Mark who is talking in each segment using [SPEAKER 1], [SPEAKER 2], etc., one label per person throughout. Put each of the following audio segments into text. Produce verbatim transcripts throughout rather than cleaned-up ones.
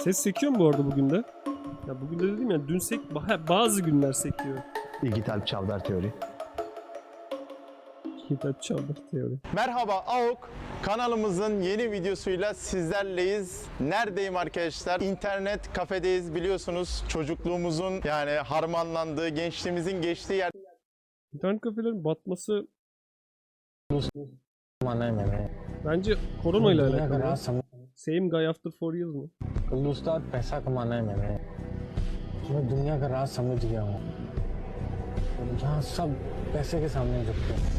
[SPEAKER 1] Ses sekiyor mu bu arada bugün de? Ya bugün de dedim ya, dün sek bazı günler sekiyor.
[SPEAKER 2] Dijital Çavdar Teori.
[SPEAKER 1] Dijital Çavdar Teori.
[SPEAKER 3] Merhaba A O K kanalımızın yeni videosuyla sizlerleyiz. Neredeyim arkadaşlar? İnternet kafedeyiz, biliyorsunuz çocukluğumuzun yani harmanlandığı, gençliğimizin geçtiği yer.
[SPEAKER 1] İnternet kafelerin batması bence korona ile alakalı. Ya. Same guy after four years mı?
[SPEAKER 4] उस्ताद पैसा कमाना है मैंने मैं दुनिया का राज समझ गया हूँ यहाँ सब पैसे के सामने झुकते हैं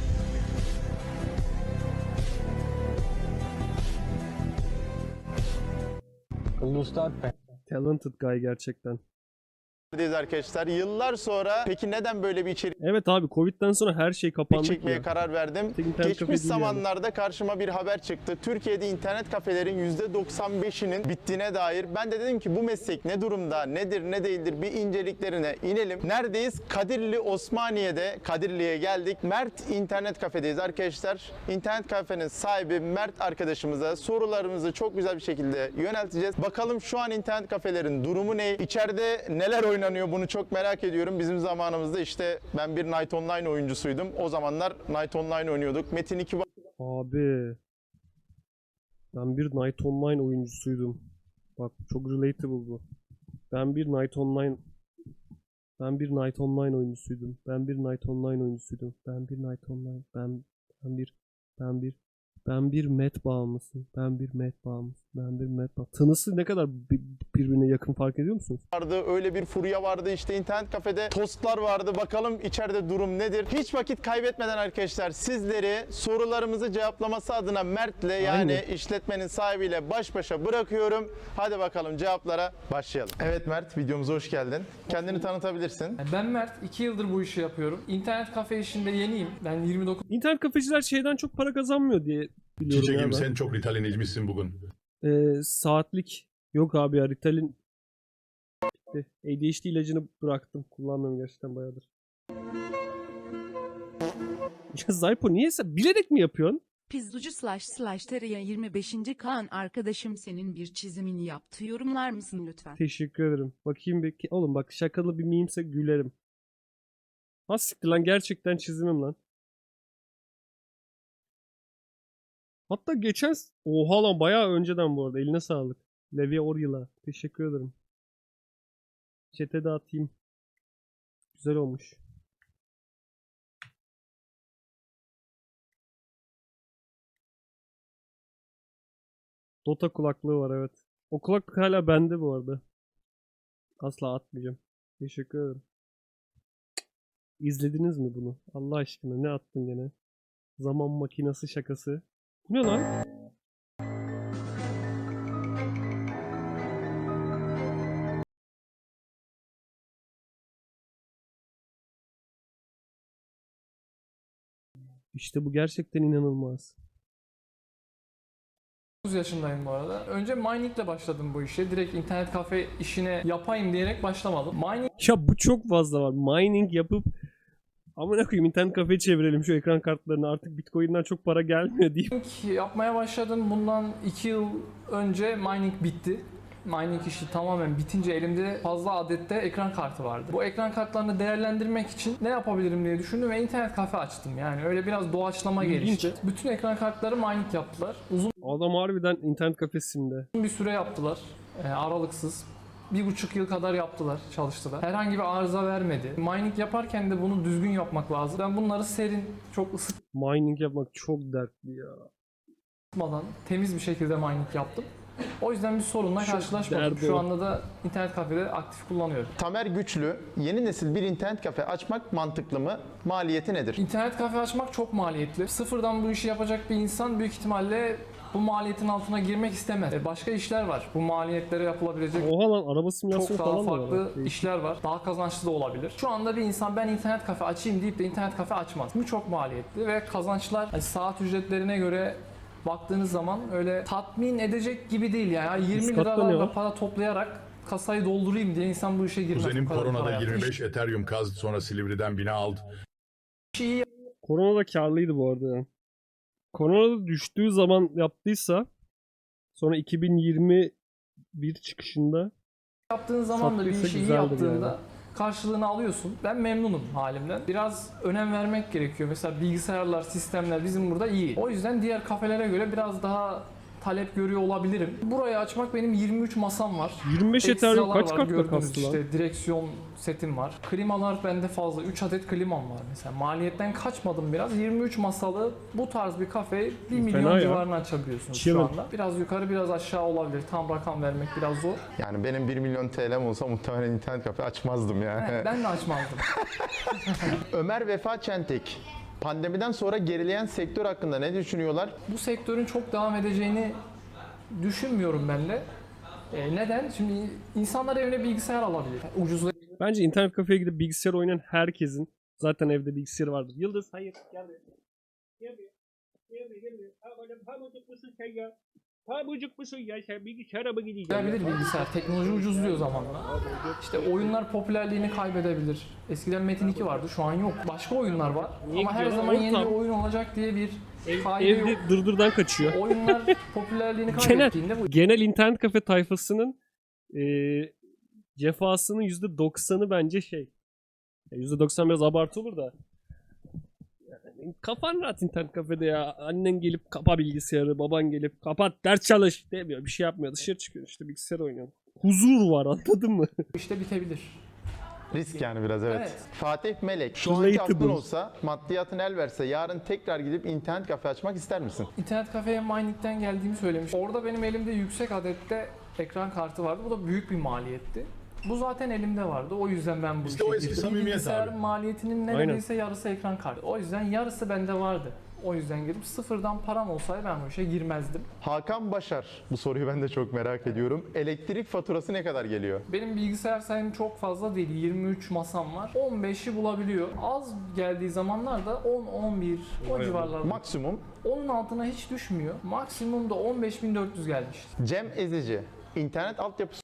[SPEAKER 4] उस्ताद
[SPEAKER 1] Talented guy gerçekten.
[SPEAKER 3] Arkadaşlar yıllar sonra peki neden böyle bir içerik
[SPEAKER 1] Evet abi, Covid'den sonra her şey kapandı
[SPEAKER 3] çekmeye
[SPEAKER 1] ya.
[SPEAKER 3] karar verdim? Geçmiş zamanlarda yani. Karşıma bir haber çıktı. Türkiye'de internet kafelerin yüzde doksan beşinin bittiğine dair. Ben de dedim ki bu meslek ne durumda, nedir, ne değildir, bir inceliklerine inelim. Neredeyiz? Kadirli Osmaniye'de, Kadirli'ye geldik. Mert internet kafedeyiz arkadaşlar. İnternet kafenin sahibi Mert arkadaşımıza sorularımızı çok güzel bir şekilde yönelteceğiz. Bakalım şu an internet kafelerin durumu ne? İçeride neler oynanıyor? Bunu çok merak ediyorum. Bizim zamanımızda işte ben bir Night Online oyuncusuydum. O zamanlar Night Online oynuyorduk. Metin iki
[SPEAKER 1] Abi ben bir Night Online oyuncusuydum. Bak çok relatable bu. Ben bir Night Online Ben bir Night Online oyuncusuydum. Ben bir Night Online oyuncusuydum. Ben bir Night Online. Ben ben bir ben bir ben bir met bağımlısı. Ben bir met bağımlısı. Ben bir met bağımlısı. Tınısı ne kadar birbirine yakın, fark ediyor musunuz?
[SPEAKER 3] vardı. Öyle bir furya vardı. İşte internet kafede tostlar vardı. Bakalım içeride durum nedir? Hiç vakit kaybetmeden arkadaşlar sizleri sorularımızı cevaplaması adına Mert'le yani
[SPEAKER 1] Aynen.
[SPEAKER 3] işletmenin sahibiyle baş başa bırakıyorum. Hadi bakalım cevaplara başlayalım. Evet Mert, videomuza hoş geldin. Kendini tanıtabilirsin.
[SPEAKER 5] Ben Mert, iki yıldır bu işi yapıyorum. İnternet kafe işinde yeniyim. Ben yirmi dokuz
[SPEAKER 1] İnternet kafeciler şeyden çok para kazanmıyor diye biliyorum ya
[SPEAKER 6] Çiçeğim
[SPEAKER 1] ben.
[SPEAKER 6] sen çok Ritalin içmişsin bugün.
[SPEAKER 1] Ee, saatlik yok abi ya, Ritalin bitti. A D H D ilacını bıraktım. Kullanmıyorum gerçekten bayağıdır. Ya Zaypo niye sen bilerek mi yapıyorsun?
[SPEAKER 7] Pizzucu slash slash teriye yirmi beşinci Kaan arkadaşım senin bir çizimini yaptı, yorumlar mısın lütfen?
[SPEAKER 1] Teşekkür ederim. Bakayım bir. Oğlum bak, şakalı bir miyimse gülerim. Ha siktir lan, gerçekten çizimim lan. Hatta geçen... Oha lan, bayağı önceden bu arada. Eline sağlık. Levi Oryla. Teşekkür ederim. Chat'e de atayım. Güzel olmuş. Dota kulaklığı var, evet. O kulaklık hala bende bu arada. Asla atmayacağım. Teşekkür ederim. İzlediniz mi bunu? Allah aşkına ne attın gene? Zaman makinesi şakası. Bu ne lan? İşte bu gerçekten inanılmaz.
[SPEAKER 5] yaşındayım bu arada. Önce miningle başladım bu işe. Direkt internet kafe işine yapayım diyerek başlamadım. Mining
[SPEAKER 1] Ya bu çok fazla var. Mining yapıp amına koyayım internet kafeye çevirelim şu ekran kartlarını, artık Bitcoin'den çok para gelmiyor deyip.
[SPEAKER 5] yapmaya başladım. Bundan iki yıl önce mining bitti. Mining işi tamamen bitince elimde fazla adette ekran kartı vardı. Bu ekran kartlarını değerlendirmek için ne yapabilirim diye düşündüm ve internet kafe açtım. Yani öyle biraz doğaçlama
[SPEAKER 1] İlginç.
[SPEAKER 5] gelişti. Bütün ekran kartları mining yaptılar. Uzun
[SPEAKER 1] Adam harbiden internet kafesinde.
[SPEAKER 5] bir süre yaptılar. E, aralıksız. Bir buçuk yıl kadar yaptılar, çalıştılar. Herhangi bir arıza vermedi. Mining yaparken de bunu düzgün yapmak lazım. Ben bunları serin, çok
[SPEAKER 1] Mining yapmak çok dertli ya.
[SPEAKER 5] ısıtmadan, temiz bir şekilde mining yaptım. O yüzden bir sorunla
[SPEAKER 1] Çok
[SPEAKER 5] karşılaşmadım.
[SPEAKER 1] derdi
[SPEAKER 5] Şu
[SPEAKER 1] o.
[SPEAKER 5] anda da internet kafede aktif kullanıyorum.
[SPEAKER 3] Tamer Güçlü, yeni nesil bir internet kafe açmak mantıklı mı? Maliyeti nedir?
[SPEAKER 5] İnternet kafe açmak çok maliyetli. Sıfırdan bu işi yapacak bir insan büyük ihtimalle bu maliyetin altına girmek istemez. E, Başka işler var. Bu maliyetlere yapılabilecek
[SPEAKER 1] Oha lan, araba simülasyonu
[SPEAKER 5] çok daha
[SPEAKER 1] falan da var.
[SPEAKER 5] farklı
[SPEAKER 1] Değişik.
[SPEAKER 5] işler var. Daha kazançlı da olabilir. Şu anda bir insan ben internet kafe açayım deyip de internet kafe açmaz. Bu çok maliyetli ve kazançlar hani saat ücretlerine göre baktığınız zaman öyle tatmin edecek gibi değil yani. yirmi
[SPEAKER 1] Üst katta ne
[SPEAKER 5] liralarla
[SPEAKER 1] var?
[SPEAKER 5] para toplayarak kasayı doldurayım diye insan bu işe girmez.
[SPEAKER 6] Kuzenim
[SPEAKER 5] Bu kadar
[SPEAKER 6] koronada
[SPEAKER 5] para
[SPEAKER 6] yirmi
[SPEAKER 5] yaptı.
[SPEAKER 6] beş Ethereum kazdı, sonra Silivri'den bina aldı.
[SPEAKER 5] İşi iyi
[SPEAKER 1] Korona da karlıydı bu arada ya. Korona da düştüğü zaman yaptıysa, sonra iki bin yirmi bir çıkışında
[SPEAKER 5] Yaptığın zaman da bir
[SPEAKER 1] Sattıysa
[SPEAKER 5] işi iyi
[SPEAKER 1] güzeldir
[SPEAKER 5] yaptığında
[SPEAKER 1] yani.
[SPEAKER 5] karşılığını alıyorsun. Ben memnunum halimden. Biraz önem vermek gerekiyor. Mesela bilgisayarlar, sistemler bizim burada iyi. O yüzden diğer kafelere göre biraz daha talep görüyor olabilirim. Burayı açmak benim yirmi üç masam var.
[SPEAKER 1] yirmi beş yeterli.
[SPEAKER 5] Ekstralar
[SPEAKER 1] Kaç
[SPEAKER 5] var,
[SPEAKER 1] kartla
[SPEAKER 5] gördüğünüz
[SPEAKER 1] kastı lan?
[SPEAKER 5] işte direksiyon setim var. Klimalar bende fazla. üç adet klimam var mesela. Maliyetten kaçmadım biraz. yirmi üç masalı bu tarz bir kafeyi bir milyon
[SPEAKER 1] ya.
[SPEAKER 5] civarına açabiliyorsunuz
[SPEAKER 1] Chillin'.
[SPEAKER 5] şu anda. Biraz yukarı biraz aşağı olabilir. Tam rakam vermek biraz zor.
[SPEAKER 3] Yani benim bir milyon T L'm olsa muhtemelen internet kafe açmazdım yani.
[SPEAKER 5] Evet, ben de açmazdım.
[SPEAKER 3] Ömer Vefa Çentek, pandemiden sonra gerileyen sektör hakkında ne düşünüyorlar?
[SPEAKER 5] Bu sektörün çok devam edeceğini düşünmüyorum ben de. E, neden? Şimdi insanlar evine bilgisayar alabilir. Ucuz
[SPEAKER 1] Bence internet kafeye gidip bilgisayar oynayan herkesin zaten evde bilgisayarı vardır. Yıldız hayır gel buraya. Gel buraya. Gel buraya gel buraya. Ha oğlum pamucuk musun sen ya? Pamucuk musun ya sen bilgisayara mı gideceksin?
[SPEAKER 5] alabilir bilgisayar. Teknoloji ucuzluyor zamanla. İşte oyunlar popülerliğini kaybedebilir. Eskiden Metin iki vardı, şu an yok. Başka oyunlar var.
[SPEAKER 1] Niye
[SPEAKER 5] Ama her
[SPEAKER 1] gidiyorlar?
[SPEAKER 5] zaman yeni bir
[SPEAKER 1] Ortam.
[SPEAKER 5] oyun olacak diye bir
[SPEAKER 1] Ev,
[SPEAKER 5] kaide yok.
[SPEAKER 1] evde dırdırdan kaçıyor.
[SPEAKER 5] Oyunlar popülerliğini
[SPEAKER 1] Genel,
[SPEAKER 5] kaybettiğinde bu
[SPEAKER 1] genel internet kafe tayfasının eee cefasının yüzde doksanı bence şey. Ya yüzde doksan biraz abartı olur da. Yani kafan rahat internet kafede ya. Annen gelip kapa bilgisayarı, baban gelip kapat ders çalış demiyor. Bir şey yapmıyor. Dışarı çıkıyor işte bilgisayar oynuyor. Huzur var anladın mı?
[SPEAKER 5] işte bitebilir.
[SPEAKER 3] Risk yani biraz evet.
[SPEAKER 5] Evet.
[SPEAKER 3] Fatih Melek, şu anki
[SPEAKER 1] Relatable.
[SPEAKER 3] aklın olsa, maddiyatın el verse yarın tekrar gidip internet kafe açmak ister misin?
[SPEAKER 5] İnternet kafeye Mining'den geldiğimi söylemiş. Orada benim elimde yüksek adette ekran kartı vardı. Bu da büyük bir maliyetti. Bu zaten elimde vardı. O yüzden ben bu
[SPEAKER 6] İşte o
[SPEAKER 5] işe
[SPEAKER 6] eski
[SPEAKER 5] girdim.
[SPEAKER 6] samimiyet
[SPEAKER 5] Bilgisayarın
[SPEAKER 6] abi.
[SPEAKER 5] maliyetinin neredeyse yarısı ekran kartı. O yüzden yarısı bende vardı. O yüzden girip sıfırdan param olsaydı ben bu işe girmezdim.
[SPEAKER 3] Hakan Başar, bu soruyu ben de çok merak ediyorum. Elektrik faturası ne kadar geliyor?
[SPEAKER 5] Benim bilgisayar sayım çok fazla değil. yirmi üç masam var. on beşi bulabiliyor. Az geldiği zamanlarda on on bir o civarlarda.
[SPEAKER 3] Maksimum.
[SPEAKER 5] Onun altına hiç düşmüyor. Maksimum da on beş bin dört yüz gelmişti.
[SPEAKER 3] Cem Ezici, internet altyapı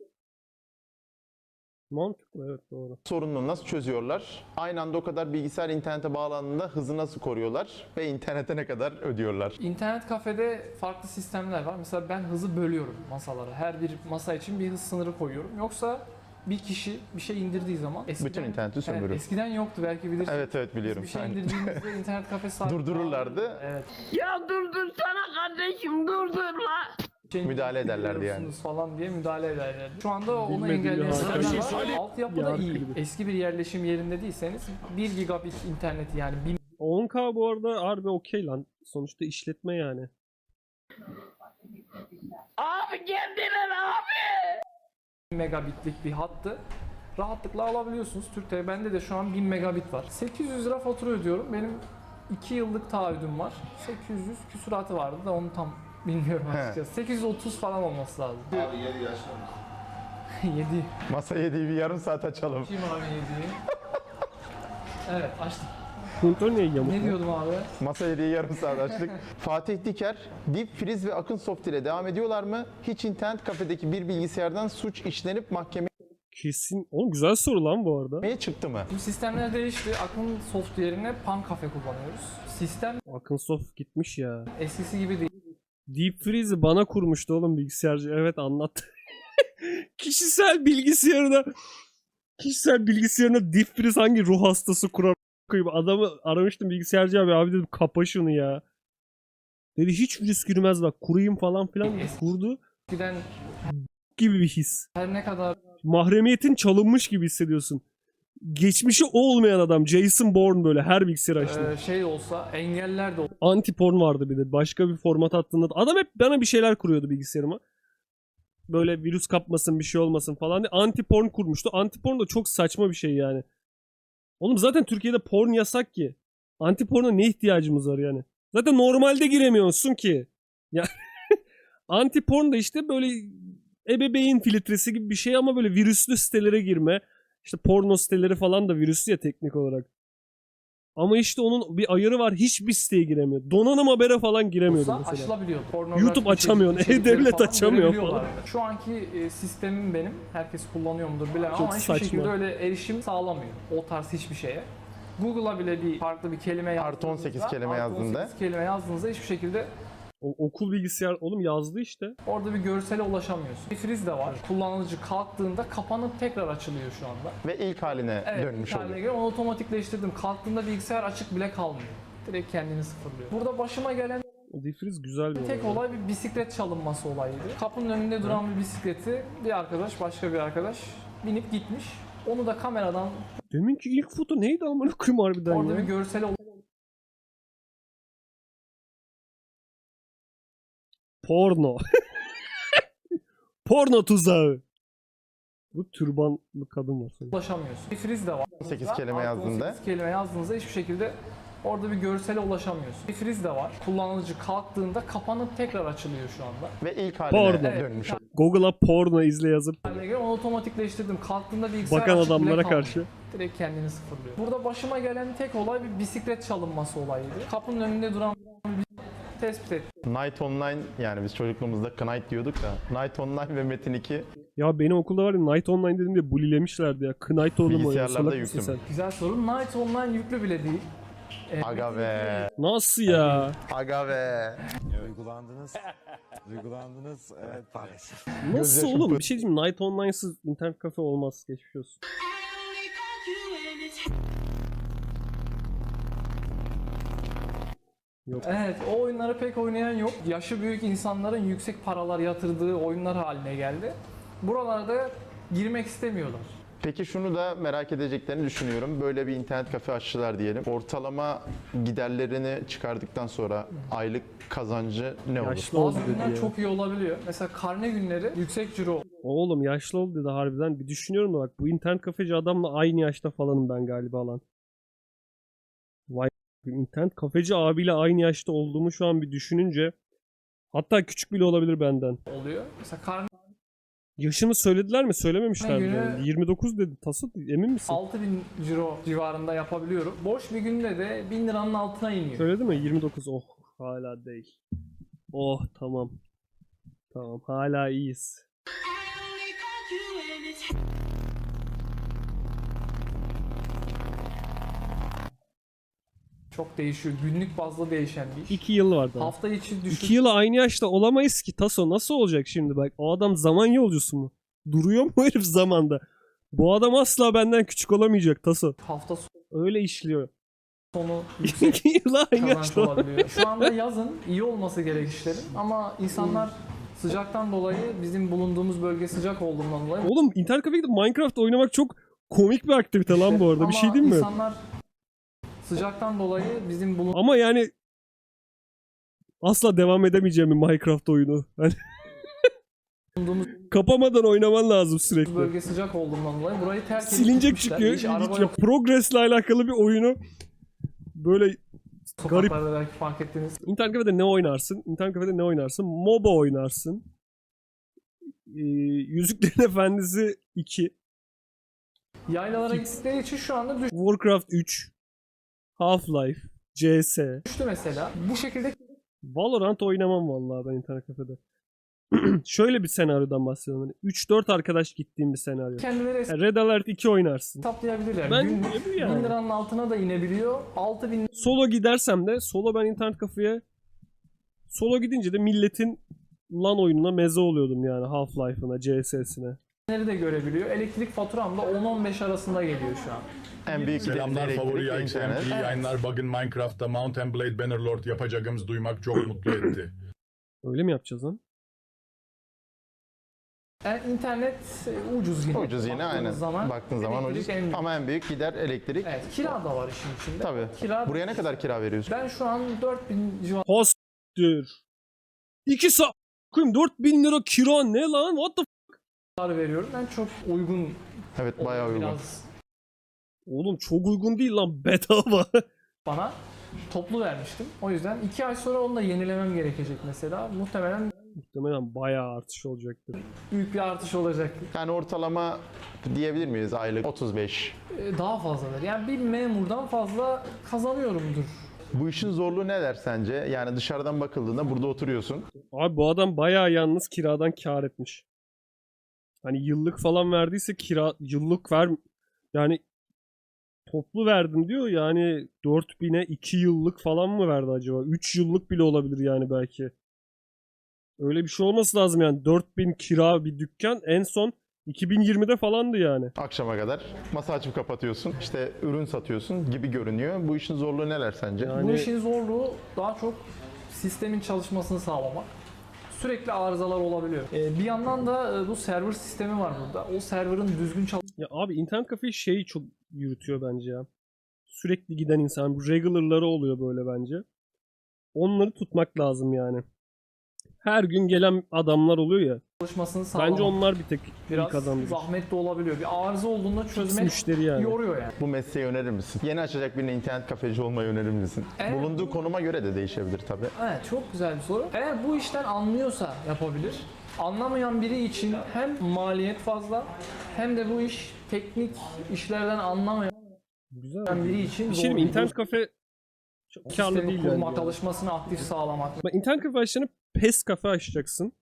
[SPEAKER 1] Mantıklı evet doğru.
[SPEAKER 3] sorununu nasıl çözüyorlar? Aynı anda o kadar bilgisayar internete bağlandığında hızı nasıl koruyorlar? Ve internete ne kadar ödüyorlar?
[SPEAKER 5] İnternet kafede farklı sistemler var. Mesela ben hızı bölüyorum masalara. Her bir masa için bir hız sınırı koyuyorum. Yoksa bir kişi bir şey indirdiği zaman
[SPEAKER 3] Bütün interneti sömürür.
[SPEAKER 5] Evet, eskiden yoktu belki bilirsin.
[SPEAKER 3] Evet evet biliyorum.
[SPEAKER 5] Bir şey
[SPEAKER 3] Aynen.
[SPEAKER 5] indirdiğimizde internet kafe sahibi
[SPEAKER 3] Durdururlardı.
[SPEAKER 5] Evet.
[SPEAKER 8] Ya durdursana kardeşim durdurma.
[SPEAKER 5] Bir şey
[SPEAKER 3] Müdahale ederlerdi yani.
[SPEAKER 5] indiriyorsunuz falan diye müdahale ederlerdi. Şu anda onu
[SPEAKER 1] Bilmediğim
[SPEAKER 5] engelleyen
[SPEAKER 1] bir
[SPEAKER 5] sistemler
[SPEAKER 1] harika.
[SPEAKER 5] var. Altyapı da
[SPEAKER 1] Bir harika
[SPEAKER 5] iyi.
[SPEAKER 1] gibi.
[SPEAKER 5] Eski bir yerleşim yerinde değilseniz bir gigabit interneti yani bin
[SPEAKER 1] on K bu arada harbi okey lan. Sonuçta işletme yani.
[SPEAKER 8] Abi geldiler abi.
[SPEAKER 5] megabitlik bir hattı rahatlıkla alabiliyorsunuz. Türk'te bende de şu an bin megabit var. sekiz yüz lira fatura ödüyorum. Benim iki yıllık taahhüdüm var. sekiz yüz küsuratı vardı da onu tam bilmiyorum açıkçası. sekiz yüz otuz falan olması lazım. Abi yedi yaşlanmış. yedi.
[SPEAKER 3] Masa yediği bir yarım saat açalım.
[SPEAKER 5] Kim abi yediği? Evet açtım.
[SPEAKER 1] Kontrol niye yamuk?
[SPEAKER 5] Ne
[SPEAKER 1] lan?
[SPEAKER 5] diyordum abi?
[SPEAKER 3] Masa yediği yarım saat açtık. Fatih Diker, Deep Freeze ve Akınsoft ile devam ediyorlar mı? Hiç internet kafedeki bir bilgisayardan suç işlenip mahkemeye
[SPEAKER 1] Kesin. Oğlum güzel soru lan bu arada.
[SPEAKER 3] çıktı mı?
[SPEAKER 5] Şimdi sistemler değişti. Akın soft yerine Pan Cafe kullanıyoruz. Sistem
[SPEAKER 1] Akınsoft gitmiş ya.
[SPEAKER 5] eskisi gibi değil.
[SPEAKER 1] Deep Freeze'i bana kurmuştu oğlum bilgisayarcı. Evet anlattı. Kişisel bilgisayarına kişisel bilgisayarına Deep Freeze hangi ruh hastası kurar koyayım. Adamı aramıştım bilgisayarcı abi. Abi dedim kapa şunu ya. Dedi hiç virüs girmez bak kurayım falan filan. Kurdu
[SPEAKER 5] Eskiden
[SPEAKER 1] gibi bir his.
[SPEAKER 5] her ne kadar
[SPEAKER 1] Mahremiyetin çalınmış gibi hissediyorsun. Geçmişi olmayan adam. Jason Bourne böyle her bilgisayar açtı.
[SPEAKER 5] e, şey olsa engeller de
[SPEAKER 1] Anti porn vardı bir de. Başka bir format attığında adam hep bana bir şeyler kuruyordu bilgisayarıma. Böyle virüs kapmasın bir şey olmasın falan diye anti porn kurmuştu. Anti porn da çok saçma bir şey yani. Oğlum zaten Türkiye'de porn yasak ki. Anti porna ne ihtiyacımız var yani? Zaten normalde giremiyorsun ki. Ya anti porn da işte böyle ebeveyn filtresi gibi bir şey ama böyle virüslü sitelere girme. İşte porno siteleri falan da virüslü ya teknik olarak. Ama işte onun bir ayarı var. Hiçbir siteye giremiyor. Donanım habere falan giremiyordu
[SPEAKER 5] olsa
[SPEAKER 1] mesela.
[SPEAKER 5] açılabiliyor. Pornografik
[SPEAKER 1] YouTube açamıyorsun,
[SPEAKER 5] içerik- içerikleri
[SPEAKER 1] E-Devlet
[SPEAKER 5] falan
[SPEAKER 1] açamıyor
[SPEAKER 5] görebiliyorlar. Şu anki e, sistemim benim. Herkes kullanıyor mudur bilemem
[SPEAKER 1] Çok
[SPEAKER 5] ama hiçbir
[SPEAKER 1] saçma.
[SPEAKER 5] şekilde öyle erişim sağlamıyor. O tarz hiçbir şeye. Google'a bile bir farklı bir kelime
[SPEAKER 3] Artı on sekiz
[SPEAKER 5] yazdığınızda-
[SPEAKER 3] kelime
[SPEAKER 5] artı
[SPEAKER 3] yazdığında.
[SPEAKER 5] on sekiz kelime yazdığınızda hiçbir şekilde
[SPEAKER 1] O, okul bilgisayar oğlum yazdı işte.
[SPEAKER 5] Orada bir görsele ulaşamıyorsun. Bir friz de var. Kullanıcı kalktığında kapanıp tekrar açılıyor şu anda.
[SPEAKER 3] Ve ilk haline
[SPEAKER 5] Evet,
[SPEAKER 3] dönmüş
[SPEAKER 5] bir haline
[SPEAKER 3] oluyor.
[SPEAKER 5] göre onu otomatikleştirdim. Kalktığında bilgisayar açık bile kalmıyor. Direkt kendini sıfırlıyor. Burada başıma gelen
[SPEAKER 1] O defriz güzel bir
[SPEAKER 5] tek
[SPEAKER 1] olay.
[SPEAKER 5] olay bir bisiklet çalınması olayıydı. Kapının önünde duran bir bisikleti bir arkadaş, başka bir arkadaş binip gitmiş. Onu da kameradan
[SPEAKER 1] Deminki ilk foto neydi amına koyayım harbiden
[SPEAKER 5] orada
[SPEAKER 1] ya?
[SPEAKER 5] bir görsel
[SPEAKER 1] Porno. Porno tuzağı. Bu türbanlı kadın var sanırım.
[SPEAKER 5] ulaşamıyorsun. Bir friz de var.
[SPEAKER 3] on sekiz kelime
[SPEAKER 5] Artı
[SPEAKER 3] yazdığında.
[SPEAKER 5] on sekiz kelime yazdığınızda hiçbir şekilde orada bir görsele ulaşamıyorsun. Bir friz de var. Kullanıcı kalktığında kapanıp tekrar açılıyor şu anda.
[SPEAKER 3] Ve ilk haline
[SPEAKER 1] Porno.
[SPEAKER 3] dönmüş oluyor.
[SPEAKER 1] Google'a porno izle yazıp
[SPEAKER 5] Haline göre onu otomatikleştirdim. Kalktığında bilgisayar
[SPEAKER 1] bakan
[SPEAKER 5] açık bile
[SPEAKER 1] adamlara
[SPEAKER 5] kalmıyor.
[SPEAKER 1] karşı.
[SPEAKER 5] Direkt kendini sıfırlıyor. Burada başıma gelen tek olay bir bisiklet çalınması olayıydı. Kapının önünde duran bir tespit ettim.
[SPEAKER 3] Night Online, yani biz çocukluğumuzda Knight diyorduk da Night Online ve Metin iki
[SPEAKER 1] Ya benim okulda var ya Night Online dediğimde bulilemişlerdi ya. Knight oğlum o ya.
[SPEAKER 3] bilgisayarlarda
[SPEAKER 1] Salak mısın
[SPEAKER 3] yüklü
[SPEAKER 1] sen?
[SPEAKER 3] mü?
[SPEAKER 5] Güzel soru. Night Online yüklü bile değil. Ee,
[SPEAKER 3] Aga be.
[SPEAKER 1] Nasıl ya?
[SPEAKER 3] Aga be.
[SPEAKER 9] Duygulandınız. Duygulandınız. Evet maalesef.
[SPEAKER 1] Nasıl
[SPEAKER 3] Gözyaşım
[SPEAKER 1] oğlum?
[SPEAKER 3] pıt.
[SPEAKER 1] Bir şey diyeyim mi? Night Online'sız internet kafe olmaz. Geçmiş olsun. Yok.
[SPEAKER 5] Evet, o oyunları pek oynayan yok. Yaşı büyük insanların yüksek paralar yatırdığı oyunlar haline geldi. Buralarda girmek istemiyorlar.
[SPEAKER 3] Peki şunu da merak edeceklerini düşünüyorum. Böyle bir internet kafe açtılar diyelim. Ortalama giderlerini çıkardıktan sonra aylık kazancı ne olur?
[SPEAKER 1] Yaşlı oldu
[SPEAKER 5] Bazı
[SPEAKER 1] dedi
[SPEAKER 5] günler
[SPEAKER 1] ya.
[SPEAKER 5] çok iyi olabiliyor. Mesela karne günleri yüksek ciro
[SPEAKER 1] Oğlum yaşlı oldu dedi harbiden. Bir düşünüyorum da bak bu internet kafeci adamla aynı yaşta falanım ben galiba lan. Vay internet kafeci abiyle aynı yaşta olduğumu şu an bir düşününce hatta küçük bile olabilir benden.
[SPEAKER 5] oluyor. Mesela karne
[SPEAKER 1] Yaşını söylediler mi? Söylememişler mi?
[SPEAKER 5] Günü-
[SPEAKER 1] Yani? yirmi dokuz dedi. Tasut emin misin?
[SPEAKER 5] altı bin ciro civarında yapabiliyorum. Boş bir günde de bin liranın altına iniyor.
[SPEAKER 1] Söyledi mi? yirmi dokuz. Oh hala değil. Oh tamam. Tamam hala iyiyiz.
[SPEAKER 5] Çok değişiyor. Günlük bazda değişen bir iş.
[SPEAKER 1] iki yıl var daha.
[SPEAKER 5] Hafta içi düşük.
[SPEAKER 1] İki yıl aynı yaşta olamayız ki. Taso nasıl olacak şimdi bak. O adam zaman yolcusu mu? Duruyor mu herif zamanda? Bu adam asla benden küçük olamayacak Taso.
[SPEAKER 5] Hafta
[SPEAKER 1] Öyle işliyor.
[SPEAKER 5] sonu yüksek
[SPEAKER 1] iki yıl aynı
[SPEAKER 5] kazanç
[SPEAKER 1] yaşta.
[SPEAKER 5] olabiliyor. Şu anda yazın iyi olması gerek işlerin ama insanlar sıcaktan dolayı bizim bulunduğumuz bölge sıcak olduğundan dolayı
[SPEAKER 1] Oğlum internet kafeye gidip Minecraft oynamak çok komik bir aktivite lan bu arada. Bir şey
[SPEAKER 5] ama
[SPEAKER 1] diyeyim mi?
[SPEAKER 5] insanlar sıcaktan dolayı bizim bulunduğumuz
[SPEAKER 1] Ama yani asla devam edemeyeceğim bir Minecraft oyunu. Hani kapamadan oynaman lazım sürekli.
[SPEAKER 5] bölge sıcak olduğundan dolayı burayı terk edip
[SPEAKER 1] Silinecek
[SPEAKER 5] gitmişler.
[SPEAKER 1] çıkıyor.
[SPEAKER 5] Hiç araba
[SPEAKER 1] İlginç.
[SPEAKER 5] yok
[SPEAKER 1] Progress'le alakalı bir oyunu böyle garip.
[SPEAKER 5] sokaklarda belki fark ettiğiniz.
[SPEAKER 1] İnternet kafede ne oynarsın? İnternet kafede ne oynarsın? MOBA oynarsın. Ee, Yüzüklerin Efendisi iki.
[SPEAKER 5] Yaylalara gittikleri için şu anda
[SPEAKER 1] Warcraft üç. Half-Life. C S.
[SPEAKER 5] düştü mesela. Bu şekilde
[SPEAKER 1] Valorant oynamam vallahi ben internet kafede. Şöyle bir senaryodan bahsediyorum. Hani üç dört arkadaş gittiğim bir senaryo.
[SPEAKER 5] kendileri
[SPEAKER 1] Yani Red Alert iki oynarsın.
[SPEAKER 5] hesaplayabilirler.
[SPEAKER 1] Ben
[SPEAKER 5] Günlük
[SPEAKER 1] bu yani.
[SPEAKER 5] bin liranın altına da inebiliyor. altı bin
[SPEAKER 1] Solo gidersem de solo ben internet kafeye solo gidince de milletin LAN oyununa meze oluyordum yani Half-Life'ına, C S'sine.
[SPEAKER 5] liraları da görebiliyor. Elektrik faturam da on on beş arasında geliyor şu an.
[SPEAKER 3] En büyük
[SPEAKER 6] Selamlar
[SPEAKER 3] giderleri
[SPEAKER 6] favori
[SPEAKER 3] elektrik,
[SPEAKER 6] X M
[SPEAKER 3] internet.
[SPEAKER 6] P yayınlar. Bugün Minecraft'ta Mount and Blade Bannerlord yapacağımız duymak çok mutlu etti.
[SPEAKER 1] Öyle mi yapacağız lan?
[SPEAKER 5] Yani internet e, ucuz yine.
[SPEAKER 3] Ucuz yine
[SPEAKER 5] Baktığınız
[SPEAKER 3] aynen.
[SPEAKER 5] Zaman,
[SPEAKER 3] Baktığın zaman
[SPEAKER 5] elektrik
[SPEAKER 3] ucuz.
[SPEAKER 5] en büyük.
[SPEAKER 3] Ama en büyük gider elektrik.
[SPEAKER 5] Evet, kira da var işin içinde.
[SPEAKER 3] Tabii.
[SPEAKER 5] Kira,
[SPEAKER 3] Buraya ne kadar kira veriyorsun?
[SPEAKER 5] ben şu an dört bin civarı
[SPEAKER 1] Hostir. iki saat. Koyayım dört bin lira kira ne lan? What the f-
[SPEAKER 5] veriyorum. Ben çok uygun.
[SPEAKER 3] Evet bayağı uygun.
[SPEAKER 5] Biraz
[SPEAKER 1] Oğlum çok uygun değil lan bedava.
[SPEAKER 5] bana toplu vermiştim. O yüzden iki ay sonra onu da yenilemem gerekecek mesela. Muhtemelen
[SPEAKER 1] Muhtemelen bayağı artış olacaktır.
[SPEAKER 5] büyük bir artış olacak.
[SPEAKER 3] Yani ortalama diyebilir miyiz aylık otuz beş?
[SPEAKER 5] E, Daha fazladır. Yani bir memurdan fazla kazanıyorumdur.
[SPEAKER 3] Bu işin zorluğu neler sence? Yani dışarıdan bakıldığında burada oturuyorsun.
[SPEAKER 1] Abi bu adam bayağı yalnız kiradan kar etmiş. Hani yıllık falan verdiyse kira yıllık ver yani toplu verdim diyor yani dört bine iki yıllık falan mı verdi acaba? üç yıllık bile olabilir yani belki. Öyle bir şey olması lazım yani. dört bin kira bir dükkan en son iki bin yirmide falandı yani.
[SPEAKER 3] Akşama kadar masa açıp kapatıyorsun. İşte ürün satıyorsun gibi görünüyor. Bu işin zorluğu neler sence?
[SPEAKER 1] Yani-
[SPEAKER 5] Bu işin zorluğu daha çok sistemin çalışmasını sağlamak. Sürekli arızalar olabiliyor. Ee, bir yandan da e, bu server sistemi var burada. O serverın düzgün
[SPEAKER 1] Ya abi internet kafe şeyi çok yürütüyor bence ya. Sürekli giden insan. Bu regular'ları oluyor böyle bence. Onları tutmak lazım yani. Her gün gelen adamlar oluyor ya.
[SPEAKER 5] çalışmasını sağlamak.
[SPEAKER 1] Bence onlar bir tek
[SPEAKER 5] biraz
[SPEAKER 1] ilk adamdır.
[SPEAKER 5] zahmetli olabiliyor. Bir arıza olduğunda çözmek
[SPEAKER 1] Müşteri yani.
[SPEAKER 5] yoruyor yani.
[SPEAKER 3] Bu mesleği önerir misin? Yeni açacak birine internet kafeci olmayı önerir misin?
[SPEAKER 5] Evet.
[SPEAKER 3] Bulunduğu konuma göre de değişebilir tabii.
[SPEAKER 5] Evet, çok güzel bir soru. Eğer bu işten anlıyorsa yapabilir. Anlamayan biri için hem maliyet fazla hem de bu iş teknik işlerden anlamayan
[SPEAKER 1] Güzel.
[SPEAKER 5] biri için
[SPEAKER 1] Bir şey diyeyim mi?
[SPEAKER 5] zor.
[SPEAKER 1] İnternet kafe çok karlı
[SPEAKER 5] Sistemi
[SPEAKER 1] değil
[SPEAKER 5] kurmak,
[SPEAKER 1] yani.
[SPEAKER 5] alışmasını aktif sağlamak.
[SPEAKER 1] Bak, internet kafe açtığında PES kafe açacaksın.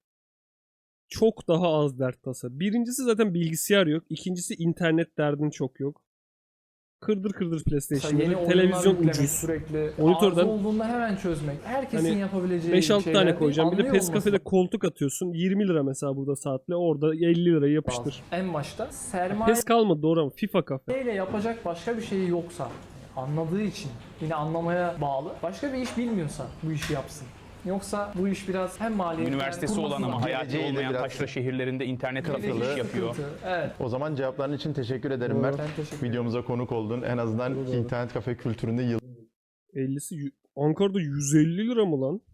[SPEAKER 1] Çok daha az dert tasa. Birincisi zaten bilgisayar yok. İkincisi internet derdin çok yok. Kırdır kırdır PlayStation.
[SPEAKER 5] Mesela yeni oyunlar
[SPEAKER 1] Televizyon
[SPEAKER 5] yüklemek,
[SPEAKER 1] ucuz.
[SPEAKER 5] sürekli
[SPEAKER 1] Monitörden
[SPEAKER 5] arıza olduğunda hemen çözmek. Herkesin
[SPEAKER 1] hani
[SPEAKER 5] yapabileceği
[SPEAKER 1] beş altı
[SPEAKER 5] şeyler
[SPEAKER 1] tane
[SPEAKER 5] değil,
[SPEAKER 1] koyacağım. Bir de
[SPEAKER 5] anlıyor
[SPEAKER 1] PES
[SPEAKER 5] olması
[SPEAKER 1] kafede koltuk atıyorsun. yirmi lira mesela burada saatle. Orada elli lirayı yapıştır.
[SPEAKER 5] lazım. En başta sermaye
[SPEAKER 1] PES kalmadı doğru ama FIFA kafe.
[SPEAKER 5] ile yapacak başka bir şey yoksa, anladığı için, yine anlamaya bağlı, başka bir iş bilmiyorsa bu işi yapsın. Yoksa bu iş biraz hem maliyetli
[SPEAKER 10] Üniversitesi olan ama hayatı
[SPEAKER 3] Geleceğiyle
[SPEAKER 10] olmayan
[SPEAKER 3] biraz-
[SPEAKER 10] taşra şehirlerinde internet
[SPEAKER 3] Kafalı.
[SPEAKER 10] kafalı yapıyor.
[SPEAKER 5] Evet.
[SPEAKER 3] O zaman cevapların için teşekkür ederim
[SPEAKER 1] Doğru.
[SPEAKER 3] Mert.
[SPEAKER 5] Ben teşekkür ederim.
[SPEAKER 3] Videomuza konuk oldun. En azından
[SPEAKER 1] Doğru, doğru.
[SPEAKER 3] internet kafe kültüründe yıl
[SPEAKER 1] ellisi yü- Ankara'da yüz elli lira mı lan?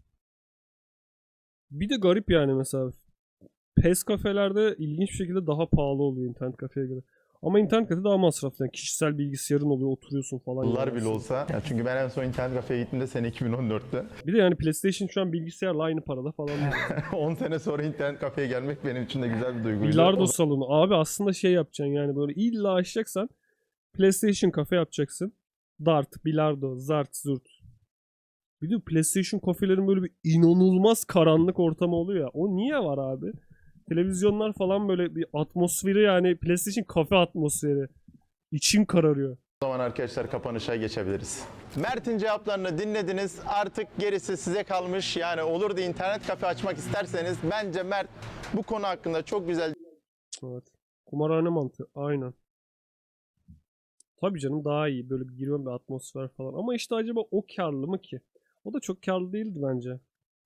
[SPEAKER 1] Bir de garip yani mesela. PES kafelerde ilginç bir şekilde daha pahalı oluyor internet kafeye göre. Ama internet kafe daha masraflı. Yani kişisel bilgisayarın oluyor, oturuyorsun falan.
[SPEAKER 3] yıllar
[SPEAKER 1] yani.
[SPEAKER 3] bile olsa. Yani çünkü ben en son internet kafeye gittiğimde sene iki bin on dörtte.
[SPEAKER 1] Bir de yani PlayStation şu an bilgisayarla aynı parada falan.
[SPEAKER 3] on sene sonra internet kafeye gelmek benim için de güzel bir duyguydu.
[SPEAKER 1] Bilardo salonu. Abi aslında şey yapacaksın yani böyle illa açacaksan PlayStation kafe yapacaksın. Dart, bilardo, zart, zurt. Bir de PlayStation kafelerin böyle bir inanılmaz karanlık ortamı oluyor ya. O niye var abi? Televizyonlar falan böyle bir atmosferi yani PlayStation kafe atmosferi. İçin kararıyor.
[SPEAKER 3] O zaman arkadaşlar kapanışa geçebiliriz. Mert'in cevaplarını dinlediniz. Artık gerisi size kalmış. Yani olur da internet kafe açmak isterseniz bence Mert bu konu hakkında çok güzel
[SPEAKER 1] Evet. Kumarhane mantığı. Aynen. Tabii canım daha iyi. Böyle bir girme bir atmosfer falan. Ama işte acaba o karlı mı ki? O da çok karlı değildi bence.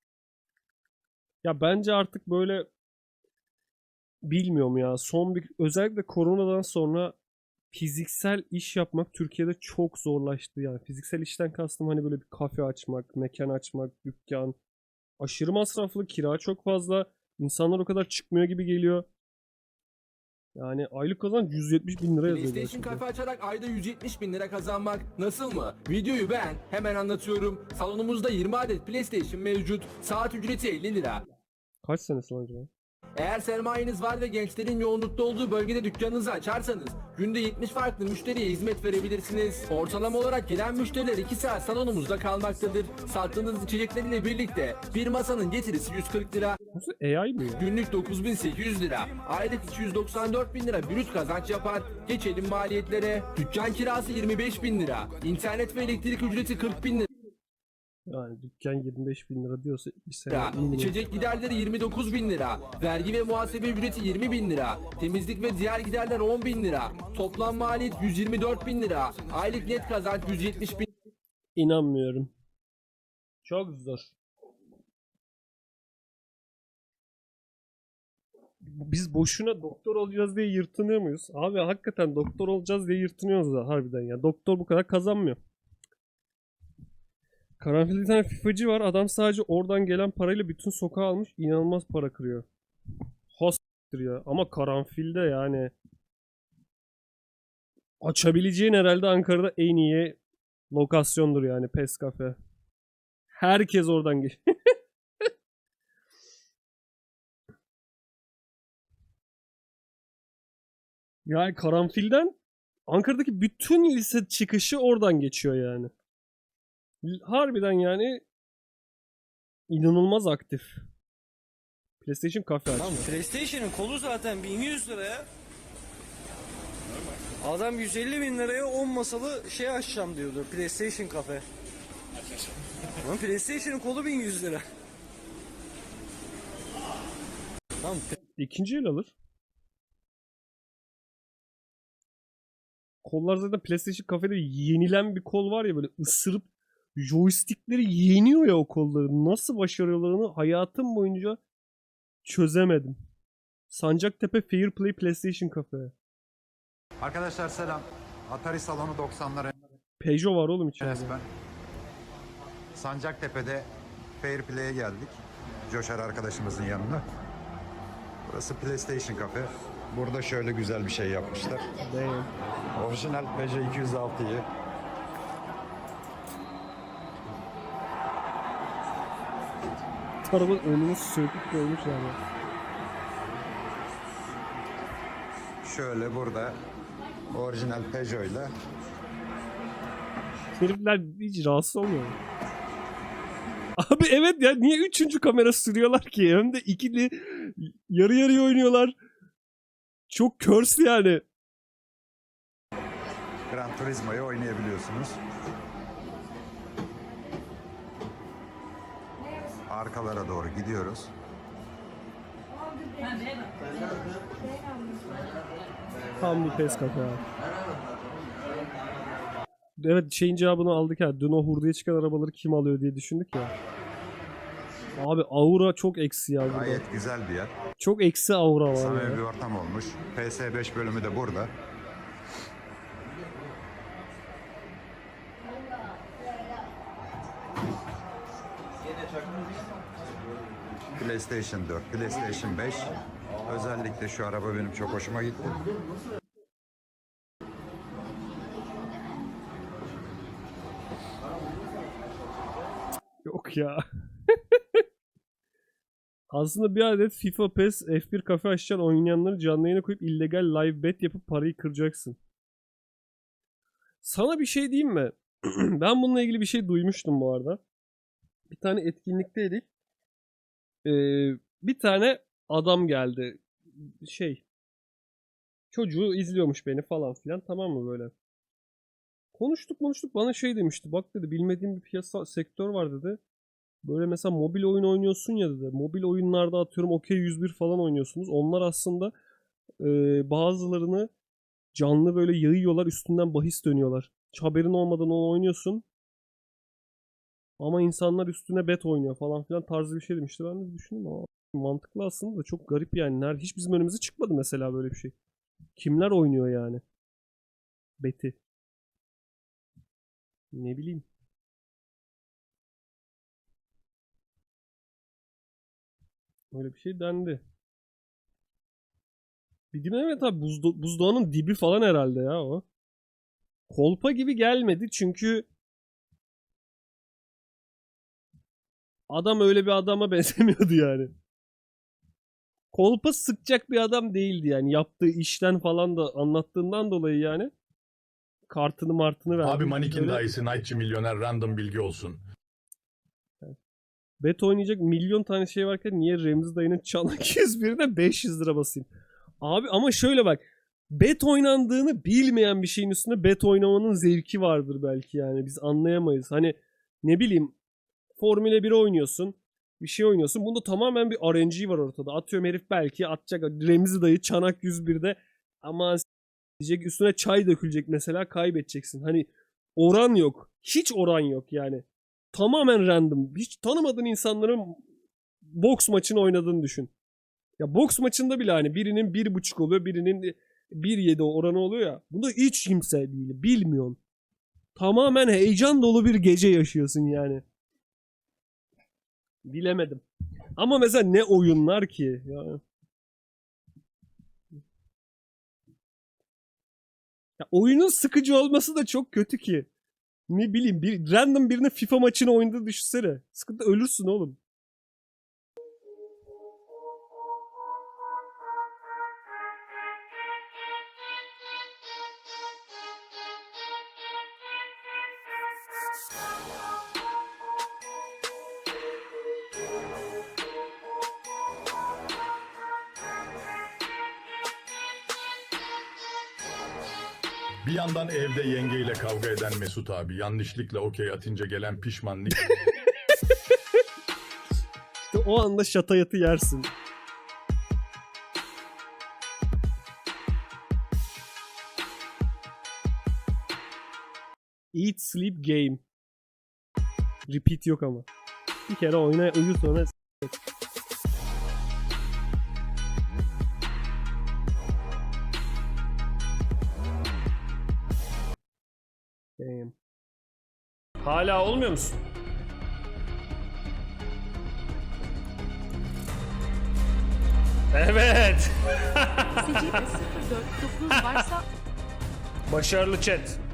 [SPEAKER 1] Ya bence artık böyle bilmiyorum ya. Son bir özellikle koronadan sonra fiziksel iş yapmak Türkiye'de çok zorlaştı. Yani fiziksel işten kastım hani böyle bir kafe açmak, mekan açmak, dükkan. Aşırı masraflı, kira çok fazla. İnsanlar o kadar çıkmıyor gibi geliyor. Yani aylık kazanç yüz yetmiş bin lira yazıyor.
[SPEAKER 11] PlayStation
[SPEAKER 1] gerçekten.
[SPEAKER 11] kafe açarak ayda yüz yetmiş bin lira kazanmak nasıl mı? Videoyu beğen, hemen anlatıyorum. Salonumuzda yirmi adet PlayStation mevcut. Saat ücreti elli lira.
[SPEAKER 1] Kaç senesi lan acaba?
[SPEAKER 11] Eğer sermayeniz var ve gençlerin yoğunlukta olduğu bölgede dükkanınızı açarsanız günde yetmiş farklı müşteriye hizmet verebilirsiniz. Ortalama olarak gelen müşteriler iki saat salonumuzda kalmaktadır. Sattığınız içeceklerle birlikte bir masanın getirisi yüz kırk lira.
[SPEAKER 1] Nasıl A I mı ya?
[SPEAKER 11] Günlük dokuz bin sekiz yüz lira. Aylık iki yüz doksan dört bin lira brüt kazanç yapar. Geçelim maliyetlere. Dükkan kirası yirmi beş bin lira. İnternet ve elektrik ücreti kırk bin lira.
[SPEAKER 1] Yani dükkan yirmi beş bin lira diyorsa bir sene
[SPEAKER 11] lira.
[SPEAKER 1] minimum.
[SPEAKER 11] İçecek giderleri yirmi dokuz bin lira. Vergi ve muhasebe ücreti yirmi bin lira. Temizlik ve diğer giderler on bin lira. Toplam maliyet yüz yirmi dört bin lira. Aylık net kazanç yüz yetmiş bin
[SPEAKER 1] İnanmıyorum. Çok zor. Biz boşuna doktor olacağız diye yırtınıyor muyuz? Abi hakikaten doktor olacağız diye yırtınıyoruz da harbiden ya. Doktor bu kadar kazanmıyor. Karanfilde bir tane FIFA'cı var. Adam sadece oradan gelen parayla bütün sokağı almış. İnanılmaz para kırıyor. Host'tir ya. Ama karanfilde yani açabileceğin herhalde Ankara'da en iyi lokasyondur yani PES kafe. Herkes oradan geçiyor. Yani karanfilden Ankara'daki bütün lise çıkışı oradan geçiyor yani. Harbiden yani inanılmaz aktif. PlayStation kafe açtı.
[SPEAKER 12] PlayStation'ın kolu zaten bin yüz liraya. Adam yüz elli bin liraya on masalı şey açacağım diyordu. PlayStation kafe. Ama PlayStation'ın kolu bin yüz lira. Tamam.
[SPEAKER 1] İkinci el alır. Kollar zaten PlayStation kafede yenilen bir kol var ya, böyle ısırıp joystickleri yeniyor ya o kolları. Nasıl başarıyorlarını hayatım boyunca çözemedim. Sancaktepe Fair Play PlayStation Cafe.
[SPEAKER 9] Arkadaşlar selam. Atari salonu doksanlar
[SPEAKER 1] Peugeot var oğlum içeride.
[SPEAKER 9] resmen. Sancaktepe'de Fair Play'e geldik. Coşar arkadaşımızın yanına. Burası PlayStation Cafe. Burada şöyle güzel bir şey yapmışlar.
[SPEAKER 1] Damn.
[SPEAKER 9] Orijinal Peugeot iki yüz altıyı
[SPEAKER 1] Arabanın önünü söküp koymuşlar ya.
[SPEAKER 9] şöyle burada orijinal Peugeot'yla
[SPEAKER 1] Herifler hiç rahatsız olmuyor mu? Abi evet ya, niye üçüncü kamera sürüyorlar ki? Hem de ikili yarı yarıya oynuyorlar. Çok curse yani.
[SPEAKER 9] Gran Turismo'yu oynayabiliyorsunuz. Arkalara doğru gidiyoruz.
[SPEAKER 1] Tam bir pes kafe abi. Evet, şeyin cevabını aldık ya. Dün o hurdaya çıkan arabaları kim alıyor diye düşündük ya. Abi aura çok eksi ya burada.
[SPEAKER 9] Gayet güzel bir yer.
[SPEAKER 1] Çok eksi aura var
[SPEAKER 9] Samimi bir
[SPEAKER 1] ya.
[SPEAKER 9] ortam olmuş. P S beş bölümü de burada. PlayStation dört, PlayStation beş. Özellikle şu araba benim çok hoşuma gitti.
[SPEAKER 1] Yok ya. Aslında bir adet FIFA, PES, F bir kafe açacaksın, oynayanları canlı yayına koyup illegal live bet yapıp parayı kıracaksın. Sana bir şey diyeyim mi? Ben bununla ilgili bir şey duymuştum bu arada. Bir tane etkinlikteydik. Ee, bir tane adam geldi. Şey. Çocuğu izliyormuş beni falan filan, tamam mı böyle. Konuştuk konuştuk, bana şey demişti. Bak dedi, bilmediğim bir piyasa sektör var dedi. Böyle mesela mobil oyun oynuyorsun ya dedi. Mobil oyunlarda atıyorum Okey yüz bir falan oynuyorsunuz. Onlar aslında e, bazılarını canlı böyle yayıyorlar, üstünden bahis dönüyorlar. Hiç haberin olmadan onu oynuyorsun. Ama insanlar üstüne bet oynuyor falan filan tarzı bir şey demişti. Ben de düşündüm ama mantıklı aslında da çok garip yani. Nerede? Hiç bizim önümüze çıkmadı mesela böyle bir şey. Kimler oynuyor yani? Beti. Ne bileyim. Öyle bir şey dendi. Bir gün evet abi, buzda buzdağının dibi falan herhalde ya o. Kolpa gibi gelmedi çünkü adam öyle bir adama benzemiyordu yani. Kolpa sıkacak bir adam değildi yani. Yaptığı işten falan da anlattığından dolayı yani. Kartını martını verdi.
[SPEAKER 6] Abi Manikin
[SPEAKER 1] Öyle-
[SPEAKER 6] dayısı Nightçı milyoner random bilgi olsun.
[SPEAKER 1] Bet oynayacak milyon tane şey varken niye Remzi dayının çanak yüz birine beş yüz lira basayım? Abi ama şöyle bak. Bet oynandığını bilmeyen bir şeyin üstüne bet oynamanın zevki vardır belki yani. Biz anlayamayız. Hani ne bileyim, Formula bir oynuyorsun. Bir şey oynuyorsun. Bunda tamamen bir R N G var ortada. Atıyorum herif belki atacak. Remzi dayı çanak yüz birde aman s- diyecek, üstüne çay dökülecek mesela, kaybedeceksin. Hani oran yok. Hiç oran yok yani. Tamamen random. Hiç tanımadığın insanların boks maçını oynadığını düşün. Ya boks maçında bile hani birinin bir buçuk oluyor, birinin bir yedi oranı oluyor ya. Bunda hiç kimse değil. Bilmiyorsun. Tamamen heyecan dolu bir gece yaşıyorsun yani. Bilemedim. Ama mesela ne oyunlar ki? Ya. Ya oyunun sıkıcı olması da çok kötü ki. Ne bileyim, bir random birine FIFA maçını oynadığını düşünsene. Sıkıntı, ölürsün oğlum.
[SPEAKER 6] Bir yandan evde yengeyle kavga eden Mesut abi, yanlışlıkla okey atınca gelen pişmanlık.
[SPEAKER 1] İşte o anda şatayatı yersin. Eat, sleep, game. Repeat yok ama. Bir kere oyna, uyu sonra s- Damn. Hala olmuyor musun? Evet.
[SPEAKER 7] Secde sıfır dört dokuz varsa
[SPEAKER 1] Başarılı chat.